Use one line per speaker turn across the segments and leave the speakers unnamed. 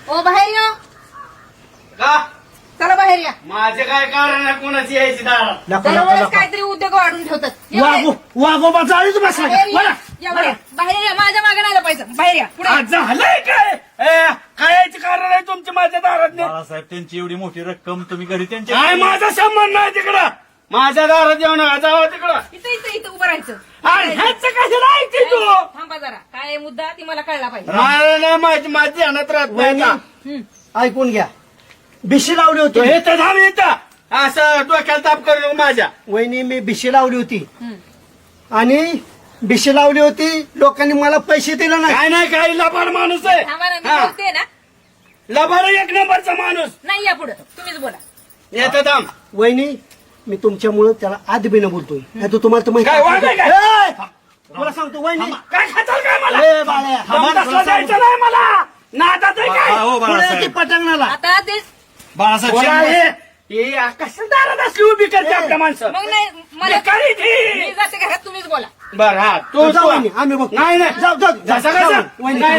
ओ बाहेर या.
का
चला बाहेर या.
माझे काय कारण आहे कोणाची यायची दारात?
दरवेळेस काहीतरी उद्योग वाढून ठेवतात. या बाहेर.
वाघोबा चाळीच बसला
बाहेर या.
का?
या बाहेर. बाहेर या. माझ्या मागे नाही पाहिजे. बाहेर या. पुढे या.
आज झालंय काय काय यायची कारण आहे तुमची माझ्या दारात नाही?
बाळासाहेब त्यांची एवढी मोठी रक्कम तुम्ही घरी
काय
त्यांच्या
माझा संबंध नाही तिकडं. माझ्या दारात येऊ नका, जावं तिकडं.
इथं इथं इथं उभं राहायचं.
आणि ह्याचं कशाला ऐकते तू?
थांबा जरा. काय आहे मुद्दा ती मला कळला पाहिजे.
मला नाही माझी ध्यानात राहत नाही का?
हं.
ऐकून घ्या. बिशी लावली
तू
होती
हे तर थांब इथं. असं डोक्याला ताप करू नको माझ्या.
वहिनी, मी बिशी लावली होती
हं.
आणि बिशी लावली होती. लोकांनी मला पैसे दिले नाही.
काय नाही, काही लबाड माणूस आहे.
थांबा ना. मी
हा.
बोलते ना.
लबाड एक नंबरचा माणूस.
नाही या पुढे. तुम्हीच बोला.
येतं थांब.
वहिनी, मी तुमच्यामुळं त्याला आदबीनं बोलतोय. नाही तर तुम्हाला तर माहिती
काय वाद आहे काय?
ए! तुला सांगतो वहिनी.
काय खाताल काय मला?
ए, बाळ्या.
दमदासला जायचं नाही मला. नादात आहे काय?
हो
पुढे ती
बाळासाहेब
पटांगणाला.
आता ते
बाळासाहेब
बोला
शेंबडे.
हे कशा दारात असली उभी करते आपल्या माणसं?
मग नाही मला
बेकारी ती.
मी जाते घरात. तुम्हीच बोला.
बर हा तू
जाऊ वहिनी, आम्ही बघतो.
नाही नाही
जाऊ, जाऊ, जाऊ,
जसा
जाऊ.
कसा
वहिनी,
नाही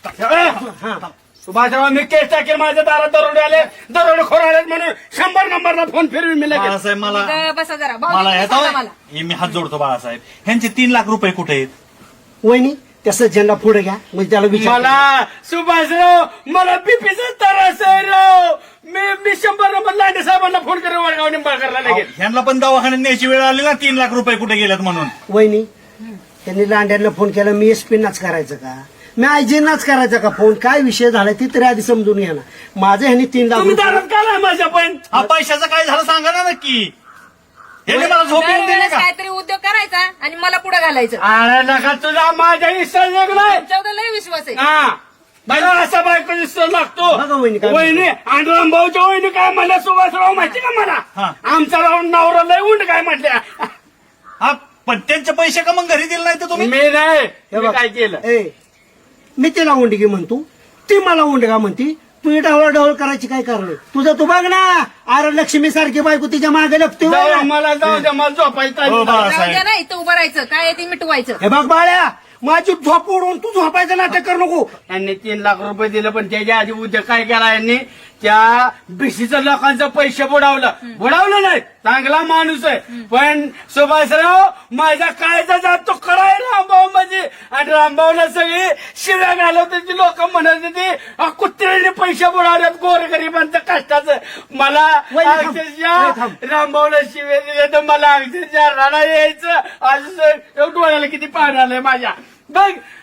सुभाषराव मी केस टाकेल माझ्या दारात दरोडे आले दरोडे खोर आले म्हणून 100 नंबरला फोन फिरवी मी लगेच.
बाळासाहेब मला
बसा जरा.
मला
भाऊजी,
ह्याचा
सांगा मला.
हे मी हात जोडतो बाळासाहेब. ह्यांचे 3 लाख रुपये कुठे आहेत?
वहिनी, त्याचा झेंडा पुढे घ्या. म्हणजे त्याला विचार.
मला सुभाषराव मला बीपीचा त्रास आहे राव. मी 100 नंबर लांडे साहेबांना फोन करून वडगाव निंबाळकरला लगेच.
ह्यांना पण दवाखान्यात न्यायची वेळ आली ना 3 लाख रुपये कुठे गेल्यात म्हणून.
वहिनी, त्यांनी लांड्यांना फोन केला. मी एसपी नाच करायचं का? मी आयजीनाच करायचा का फोन? काय विषय झालाय ती तरी आधी समजून घ्या ना. माझं ह्यांनी 3 लाख
तुम्ही
रुपये-
दारात का नाही माझ्या पण?
हा पैशाचं काय झालं सांगा ना नक्की. ह्यांनी मला झोप येऊन दिली
दरवेळेस
का?
काहीतरी उद्योग करायचा आणि मला पुढे घालायचं.
अरे नका तुझा माझ्या विश्वास नाही.
तुमच्यावर लय विश्वास आहे.
हा मला असा बायको विश्वास लागतो.
बघा वहिनी काय
वहिनी आणि रामभाऊच्या वहिनी काय म्हणल्या सुभाषराव माहिती का मला?
हा.
आमचा राहून नवरा लय उंड काय म्हटल्या.
हा पण त्यांचे पैसे का मग घरी दिले नाही तर तुम्ही?
मी नाही
हे
मी
बघ.
काय केलं.
ए, मी तिला उंडगी म्हणतो, ती मला उंडगा म्हणती. तू ढवळ करायची काय कारण आहे? तुझं तू बघ ना. अरे लक्ष्मी सारखी बायको तिच्या मागे लपते.
जाऊ मला जाऊ द्या मला झोपायचं
हो,
आहे.
बाळा.
जाऊ द्या ना. इथं उभं राहायचं. काय आहे ते मिटवायचं.
हे बघ बाळ्या, माझी झोप उडवून तू झोपायचं नाटक करू नको.
यांनी 3 लाख रुपये दिले पण त्याच्या आधी उद्या काय केला यांनी त्या बीसीचं लोकांचं पैसे बुडावलं नाही. चांगला माणूस आहे पण सुभाषराव माझ्या काळजा जात तो कळाय रामभाऊ म्हणजे. आणि रामभाऊला सगळी शिव्या घालवत होती. लोक म्हणत होती कुत्र्याने पैसे बुडावल्यात गोरगरिबांचं कष्टाचं. मला
वहिनी थांब.
अक्षरशः
वहिनी थांब.
रामभाऊला शिव्या दिल्या तर मला अक्षरशः रडा यायचं. असं डोळ्याला किती पाणी आलंय माझ्या. बघ